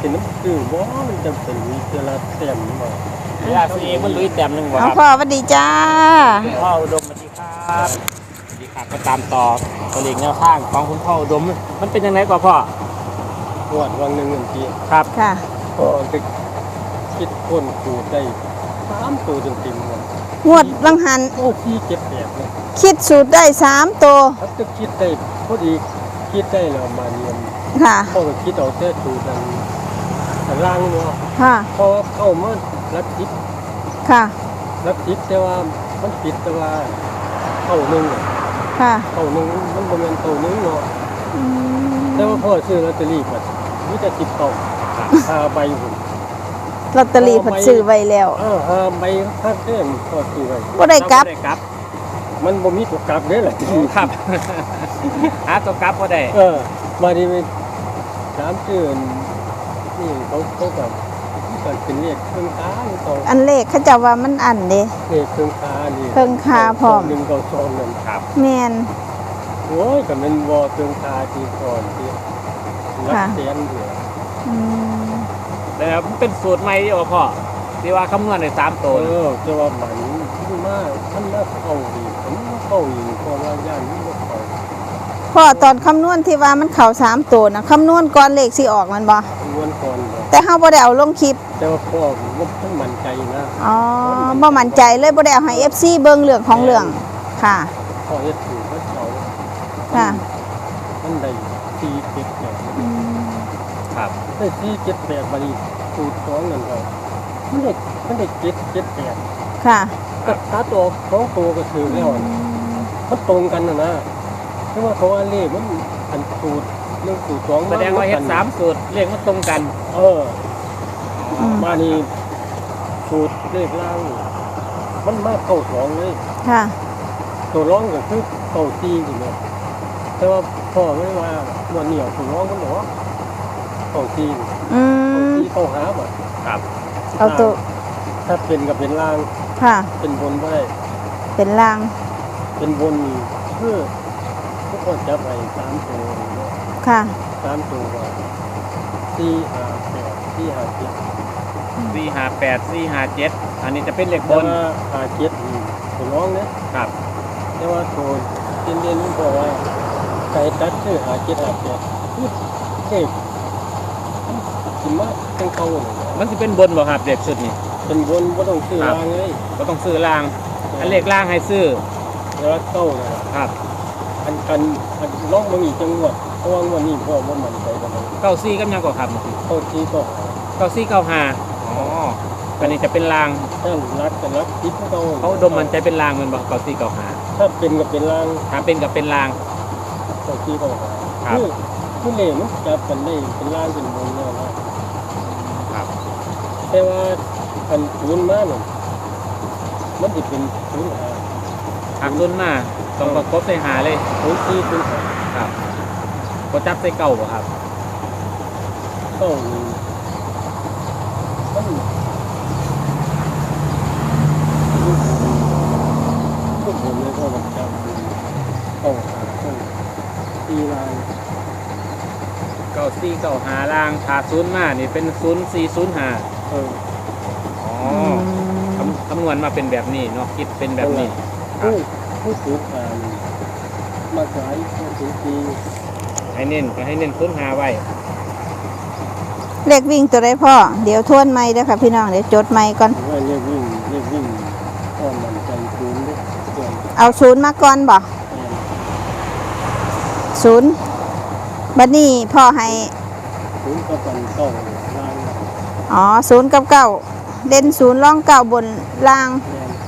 เป็นน้ำตื้อบ่มันจะเป็นมีเจลาเต็มบ่ยาซีมันลุยแต้มหนึ่งบ่เอาครับพ่อสวัสดีจ้าคุณพ่ออุดมสวัสดีครับสวัสดีครับก็ตามต่อตัวเลขแนวทางของคุณพ่ออุดมมันเป็นยังไงกว่าพ่อปวดวังหนึ่งเงินทีครับค่ะก็จะคิดคนขูดได้3ตัวเต็มๆเลยงวดลังหันโอ้ที่เจ็บแบบเนี่ยคิดสูตรได้3ตัวถ้าจะคิดได้พอดีคิดได้แล้วมาเรียนค่ะพ่อก็คิดเอาแต่สูตรอันล่างเนาะค่ะเพราะว่าเข้ามารักคิดค่ะรักคิดแต่ว่ามันผิดแต่ว่าเข้าหนึ่งอะค่ะเข้าหนึ่งมันบ่แม่นเข้าหนึ่งเนาะอืมแต่ว่าพ่อซื้อลอตเตอรี่ก็มีแต่10เต่า5ใบพุ่นลอตเตอรี่เพิ่นซื้อไว้แล้ว 5ใบค่าเต้นพ่อซื้อไว้บ่ได้กลับได้กลับมันบ่มีตัวกลับเด้อล่ะครับ หาตัวกลับก็ได้มาดีมันถามชื่อนี่เขาแบบมันเป็นเลขเครื่องค้าหรือเปล่าอันเลขเขาเจะว่ามันอันเด้เลขเครื่องค้านี่เครื่องค้าพร้อมหนึ่งเก้าสองนั่นครับแม่นโอ้ยก็เป็นวอเครื่องค้าที่ก่อนที่รักค่ะเตียนอยู่อืมแล้วมันเป็นสูตรใหม่ที่ว่าพ่อที่ว่าคำนวณใน3ตัวจะว่ามันมากท่านน่าเข้าดีผมเข้าอยู่เพราะว่าย่านนี้ก็เข้าพ่อตอนคำนวณที่ว่ามันเข้า3ตัวนะคำนวณก่อนเลขสิออกมันบ่ล้วนก่อนบ่แต่เฮาบ่ได้เอาลงคลิปแต่ว่าพ่อมันต้องมั่นใจนะอ๋อบ่มั่นใจเลยบ่ได้เอาให้ FC เบิ่งเรื่องของเรื่องค่ะพ่อเฮ็ดถูกก็เขาค่ะมันได้4 7 8 อืมครับได้4 7 8บัดนี้สูตรสองนั่นก็มันได้7 7 8 ค่ะก็ตาตัวของตัวก็ถือแล้วมันตรงกันนะเพราะว่าเขาว่าเลขมันอันสูตรเรื่องสูตรสองแสดงว่าเฮ็ด3สูตรเลขมันตรงกันมานี่สูตรเลขล่างมันมาเข้าสองเลยค่ะตัวร้องก็คือเข้าตีอยู่เนี่ยแต่ว่าพ่อไม่ว่าวันเหนียวตัวร้องมันบอกว่าเข้าตีอืเข้าม ตีเข้าหาบ่ครับเอาตัวถ้าเป็นกับเป็นล่างค่ะเป็นบนบ่ได้เป็นลางเป็นบนเพื่อทุกคนจับไป3ตัวเนาะค่ะ 3ตัวว่า4 5 8 4 5 7 458 457อันนี้จะเป็นเลขแต่บนว่า5 7นี่ตัวร้องเนี่ยครับแต่ว่าตัวเด่นๆนี่บอกว่าไก่ตัดชื่อ5 7 5 8คือเด็กสิมาจังเข้าเลยนะมันจะเป็นบนบ่ครับเลขชุดนี้เป็นบนบ่ต้องซื้อรางเลยก็ต้องซื้อล่าง อันเลขล่างให้ซื้อแล้วเข้าเลยครับอันลองเบิ่งอีกจังหวัดเพราะว่างวันนี้พ่อบ่มั่นใจปานใด 94กับหยังก็ครับเข้าที่ก็ 9495อ๋ออันนี้จะเป็นล่างถ้ารักกันรักคิดเขาเขาดมมันใจเป็นล่างแมันบ่9495 ถ้าเป็นก็เป็นรางถ้าเป็นกับเป็นล่างเข้าที่ก็ครับคือเลขมันจับกันได้เป็นรางเป็นบนแล้วนะครับ แต่ว่าอันศูนย์มาเนี่ยมันจะเป็นศูนย์หาหักต้นมาต้องประกบใส่หาเลยศูนย์สี่ศูนย์หาครับก็จับใส่เก่าบ่ครับต้องมันทุกผมเลยก็มันจำต้องหาต้องตีลาย 9495ล่างขาด0มานี่เป็น0405 เอออ๋ออืมคำนวณมาเป็นแบบนี้เนาะคิดเป็นแบบนี้ผู้สูงอ่านมาสายผู้สูงปีให้เน้นก็ให้เน้น05ไว้เลขวิ่งตัวใดพ่อ เดี๋ยวทวนไม่เด้อค่ะพี่น้อง เดี๋ยวจดไม่ก่อนว่าเรียกวิ่งก็มันใจศูนย์ด้วยส่วนเอาศูนย์มาก่อนบ่ศูนย์บัดนี้พ่อให้ศูนย์ก็เป็นเก้าล่างอ๋อศูนย์กับเก้าเด่นศูนย์ร่องเก้าบนล่างแรง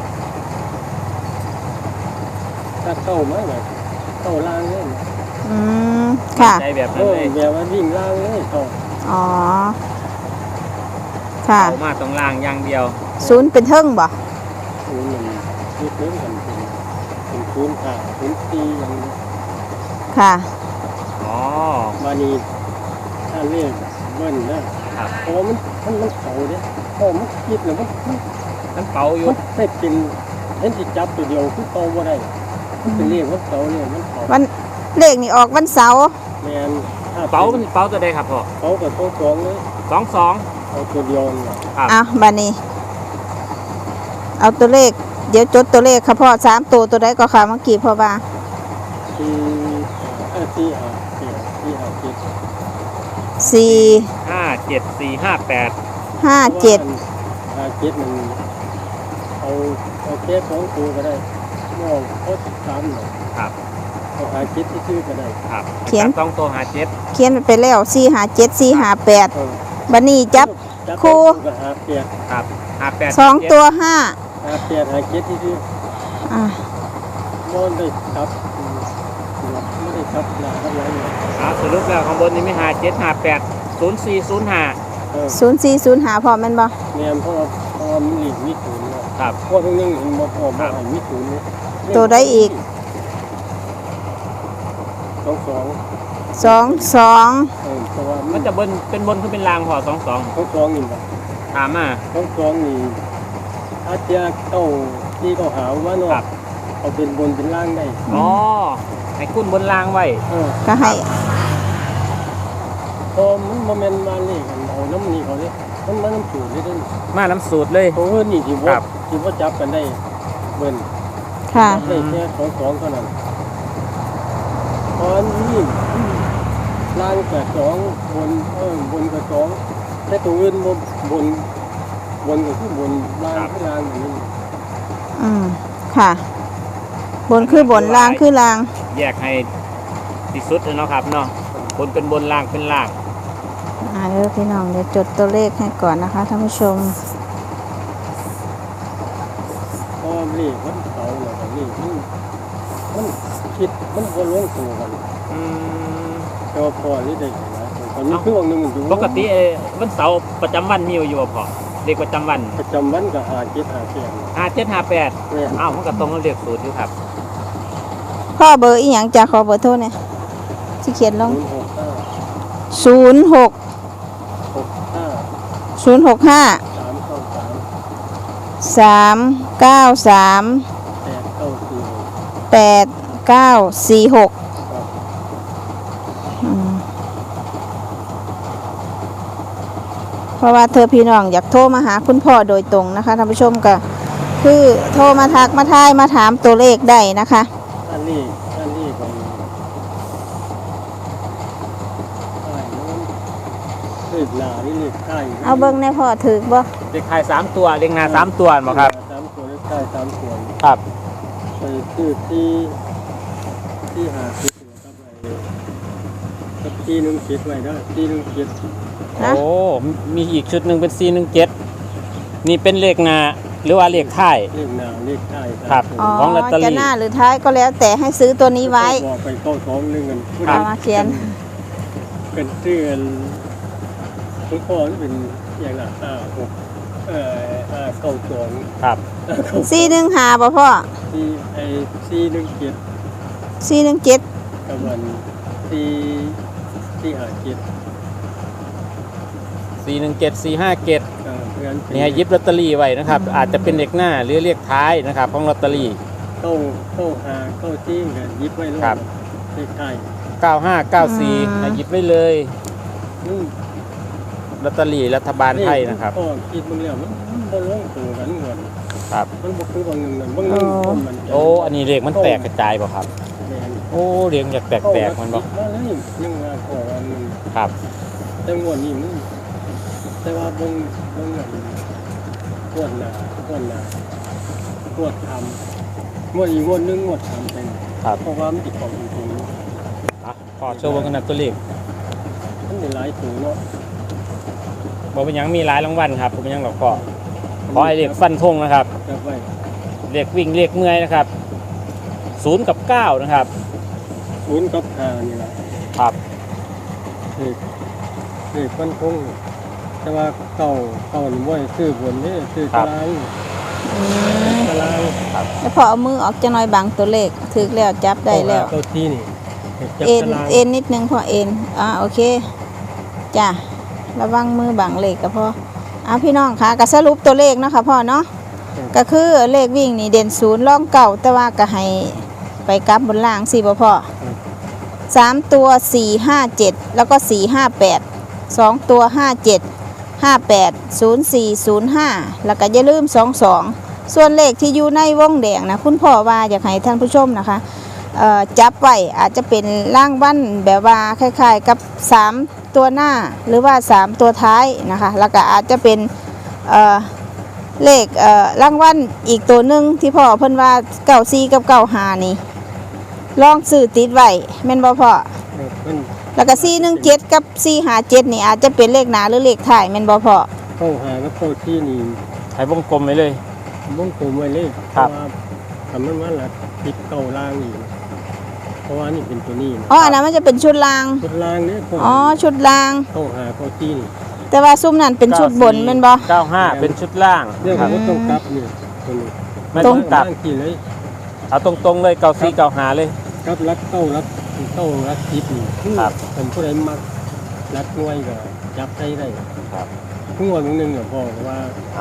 ถ้าเข้ามาแบบเข้าล่างเลยอืม ค่ะใจแบบเอนั้นอเลยแบบว่าวิ่งล่างเลยเข้าอ๋อ ค่ะเอามาตรงล่างอย่างเดียวศูนย์เป็นเทิงบ่ศูนย์มันยึดเล่นกันเป็นศูนย์ขาศูนย์ตีอย่างนี้ค่ะอ๋อมานี่ถ้าเรียกเบิ้ลนะครับ เพราะว่ามันเก่าเนี่ยเพราะมันคิดแล้วมันมันเป่าอยู่มันไม่เป็นเห็นสิจับตัวเดียวคือเก่าบ่ได้มันเป็นเรียกว่าเก่าเนี่ยมันเก่าวันเลขนี่ออกวันเสาร์แมนเป๋ามันเป๋าตัวใดครับพ่อเขากับตัวสองเลย 22 เอาตัวเดียวนี่ครับเอาบัดนี้ เอาตัวเลข เดี๋ยวจดตัวเลขค่ะพ่อ3ตัวใดก็ค่ะเมื่อกี้พ่อว่าที่ที่ 4 5 7 57458 5 7 7มันเอาแค่2ตัวก็ได้มองเขา3หน่อยครับเอา7ที่ชื่อก็ได้ครับเขียน 2ตัว57 เขียนไปแล้ว4 5 7 4 5 8บัดนี้จับ คู่ก็8 ครับ58 2 ตัว 5 7ที่ชื่ออ่ะนอนได้ครับไม่ได้ครับหนาครับไรเลยสรุปแล้วข้างบนนี้มี5758 0405 0405พ่อแม่นบ่แม่นเพราะมันหลีกมิถุนครับเพราะทั้งนึงเห็นบ่พอมาให้มิถุนตัวใดอีก 22 22 เพราะว่ามัมัน นจะบนเป็นบนคือเป็นรางพอ22 22นี่บ่ถามมา 22นี่อาจจะที่เขาหาว่าเนาะครับเอาเป็นบนเป็นล่างได้อ๋อให้คุณบนรางไว้ก็ให้พอมันบ่แม่นมาเลขกันเอาน้ำนี่เขาเด้มันมาน้ำสูตรได้เด้มาน้ำสูตรเลยเพราะว่านี่ที่ครัว่าบที่ว่าจับกันได้เบิ่นค่ะได้แค่22เท่านั้นตอนนี้ล่างกับ2บนบนกับ2แต่ตัวอื่นบ่บนก็คือบนล่างคือล่างอย่างนี้อืมค่ะ บนคือบนล่างคือล่างแยกให้ที่สุดเลยเนาะครับเนาะบนเป็นบนรางเป็นรางเดี๋ยวพี่น้องเดี๋ยวจดตัวเลขให้ก่อนนะคะท่านผู้ชมพอเลขมันเสาแล้วก็นี่มันคิดมันบ่ลงตัวกันอืมแต่ว่าพอนี่ได้หลายคนตอนนี้คือวันหนึงมันอยู่ปกติวันเสาร์ประจำวันมีอยู่บ่พอเด็กประจำวันประจำวันก็57 5758 แม่อ้าวมันก็ตรงกับเลขสูตรอยู่ครับพ่อเบอร์อีหยังจะขอเบอร์โทรเนี่ยที่เขียนลง 065 06 65 065 393 393 8946อืมเพราะว่าเธอพี่น้องอยากโทรมาหาคุณพ่อโดยตรงนะคะท่านผู้ชมก็คือโทรมาทักมาทายมาถามตัวเลขได้นะคะอันนี้ก็เลขหน้านี่เลขท้ายเอาเบิ้งในพ่อถือบ่เลขท้าย3ตัวเลขหน้า3ตัวบ่ครับ 3ตัวเลขท้าย3ตัวครับไปคือที่หาคิดครับกับที่นึงคิดไว้เด้อที่นึงคิดนะโอ้มีอีกชุดหนึงเป็น417นี่เป็นเลขหน้าหรือว่าเลขท้ายเลขหน้าเลขท้ายครับอ๋อของลอตเตอรี่จะหน้าหรือท้ายก็แล้วแต่ให้ซื้อตัวนี้ไว้บอกไปเข้าท้องนึงกันเอามาเขียนเป็นชื่อทุกคนเป็นอย่างละ69 2 ครับ 415บ่พ่อที่นึงคิด 417 กับวันที่หาคิด 417 457 เพื่อนนี่ให้หยิบลอตเตอรี่ไว้นะครับ อาจจะเป็นเลขหน้าหรือเลขท้ายนะครับของลอตเตอรี่เข้าหาเข้าจี้กันยิบไว้เลยครับเลขท้าย 9594ให้หยิบไว้เลยอืมลอตเตอรี่รัฐบาลไทยนะครับก็คิดมึงแล้วมันบ่ลงตัวกันก่อนครับมันบ่คือบางหนึงนั่นบางหนึงคนมันโอ้อันนี้เลขมันแตกกระจายบ่ครับแม่นโอ้เลขอยากแตกๆมันบ่มาเลยยังว่าขอวันนึงครับแต่งวดนี้มันแต่ว่าเบิ่งอันปวดหน้าปวดทำงวดอีกงวดหนึงงวดทำเป็นครับเพราะว่ามันติดของจริงอ่ะขอโชว์เบิ่งกันนะตัวเลขๆมันได้หลายตัวเนาะบ่เป็นหยังมีหลายรางวัลครับบ่เป็นหยังหรอกก็ขอให้เลขฟันธงนะครับจับไว้เลขวิ่งเลขเมื่อยนะครับ0กับ9นะครับ 0กับ5นี่ล่ะครับเลขฟันธงแต่ว่าเก่านี่บ่ให้ซื้อบนนี่ซื้อตารางตารางแล้วพอเอามือออกจะน้อยบางตัวเลขถึกแล้วจับได้แล้วเก้าที่นี่จับเอ็นตารางเอ็นนิดนึงพอเอ็นโอเคจ้ะระวังมือบางเลขก็พอพี่น้องค่ะก็สรุปตัวเลขเนาะค่ะพ่อเนาะก็คือเลขวิ่งนี่เด่น0ร่องเก่าแต่ว่าก็ให้ไปกลับบนล่างสิบ่พ่อ 3 ตัว 457 แล้วก็ 458 2 ตัว 57 58 0405 แล้วก็อย่าลืม 22 ส่วนเลขที่อยู่ในวงแดงนะคุณพ่อว่าอยากให้ท่านผู้ชมนะคะจับไว้อาจจะเป็นร่างวันแบบว่าคล้ายๆกับ 3 ตัวหน้าหรือว่า 3 ตัวท้ายนะคะแล้วก็อาจจะเป็นเลขรางวัลอีกตัวหนึ่งที่พ่อเพิ่นว่า94กับ95นี่ลองซื้อติดไว้แม่นบ่พ่อมันแล้วก็417กับ457นี่อาจจะเป็นเลขหน้าหรือเลขท้ายแม่นบ่พ่อเข้าหากับเข้าที่นี่ให้วงกลมไว้เลยวงกลมไว้เลยเพครับราะว่าทำมันว่าละติดเก่าล่างอีกเพราะว่านี่เป็นตัวนี้นะอ๋ออันนั้นมันจะเป็นชุดรางชุดล่างเนี่ยพออ๋อชุดรางเข้าหาเข้าที่นี่แต่ว่าซุ้มนั่นเป็นชุดบนแม่นบ่ 95เป็นชุดล่างเรื่องครับว่าต้องกลับนี่ตัวนี้ไม่ตรต้อง งกลับล่างที่เลยเอาตรงๆเลย94 95เลยกลับรักเข้ารักทิพย์นี่ครับผมผู้ใดมักรักน้วยก็จับได้ได้ครับทุกวันนึงเนี่ยพ่อว่า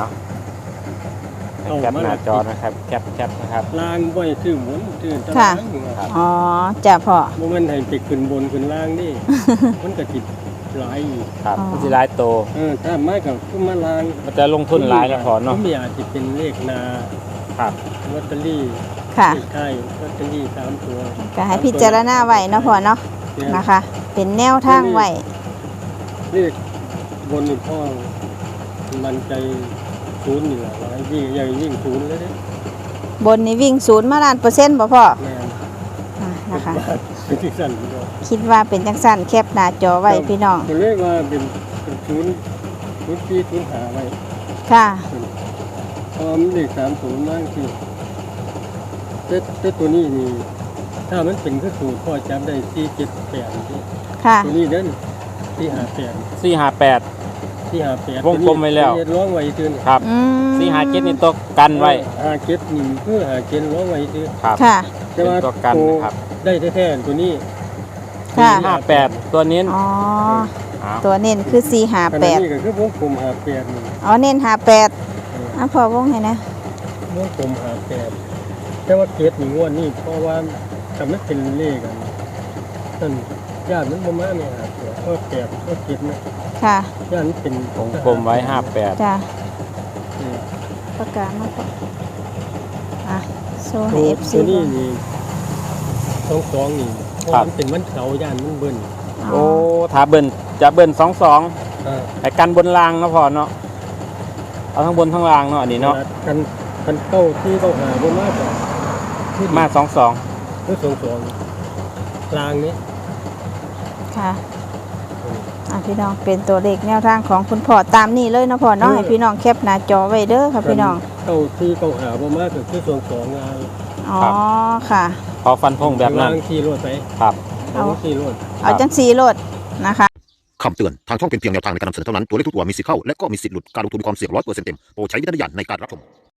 เอาแคปหน้าจอนะครับแคปนะครับล่างบ่อยชื่อหมุนชื่อตะค่ะล่างอยู่ครับอ๋อจ้ะพ่อบ่แม่นให้ไปขึ้นบนขึ้นล่างนี่ มันก็ติดหลายอยู่ครับอ๋อมันสิหลายโตถ้ามากับขึ้นมาล่างมันจะลงทุนหลายนะพอเนาะผมอยากจะเป็นเลขนาครับลอตเตอรี่ค่ะใช่ลอตเตอรี่3ตัวก็ให้พิจารณาไว้เนาะพ่อเนาะนะคะ เป็นแนวทางไว้เลขบนนี่พ่อมันใจศูนย์นี่แหละหลายยิ่งใหญ่ยิ่งศูนย์เลยเนี่ยบนนี่วิ่ง0มาล้านเปอร์เซ็นต์บ่พ่อแม่นนะคะเป็นที่สั่นพี่น้องคิดว่าเป็นจังสั้นแคปหน้าจอไว้พี่น้องก็เลยว่าเป็นศูนย์ปีศูนย์หาไว้ค่ะพอมันเลข30มากที่แต่ตัวนี้นี่ถ้ามันเป็นก็สูตรพ่อจำได้478ที่ค่ะตัวนี้เด้น458 458 วงกลมไว้แล้วร้องไว้ตื่นครับอืม 457นี่ตกกันไว้ 57นี่คือ57ร้องไว้ตื่นครับค่ะแต่เป็นว่าตัวกันนะครับได้แท้ๆตัวนี้ค่ะ 58ตัวนี้อ๋อเอาตัวเน้นคือขณะ 458 นี้ก็คือวงกลม58นี่อ๋อเน้น58อ่ะพ่อวงให้นะวงกลม58แต่ว่าเกตนี่งวดนี่เพราะว่าถ้ามันเป็นเลขกันนั่นญาติมันบ่มาเนี่ยครับก็8ก็7นะค่ะญาติมันเป็นวงกลมไว้58 จ้ะอืมประกาศมาพ่ออ่ะโชว์ให้ตัว FC ตัวนี้ดูนี่22นี่เพราะมันเป็นวันเสาร์ญาติมันเบิ่นโอ้ถ้าเบิ่นจะเบิ่น22 อ่าไอ้กันบนรางเนาะพอเนาะเอาทั้งบนทั้งรางเนาะอันนี้เนาะคันเก้าที่เขาหาบ่มากกว่าที่มา22 คือ22กลางนี้ค่ะอ่ะพี่น้องเป็นตัวเลขแนวทางของคุณพ่อตามนี้เลยนะพ่อเนาะให้พี่น้องแคปหน้าจอไว้เด้อค่ะพี่น้องเก้าที่เขาหาบ่มากก็คือ22งานอ๋อค่ะขอฟันธงแบบนั้นกลางที่รถไปครับเอาที่รถเอาจังสีโลดนะคะคำเตือน ทางช่องเป็นเพียงแนวทางในการนำเสนอเท่านั้น ตัวเลขทุกตัวมีสิทธิ์เข้า และก็มีสิทธิ์หลุด การลงทุนมีความเสี่ยง100%เต็ม โปรดใช้วิจารณญาณในการรับชม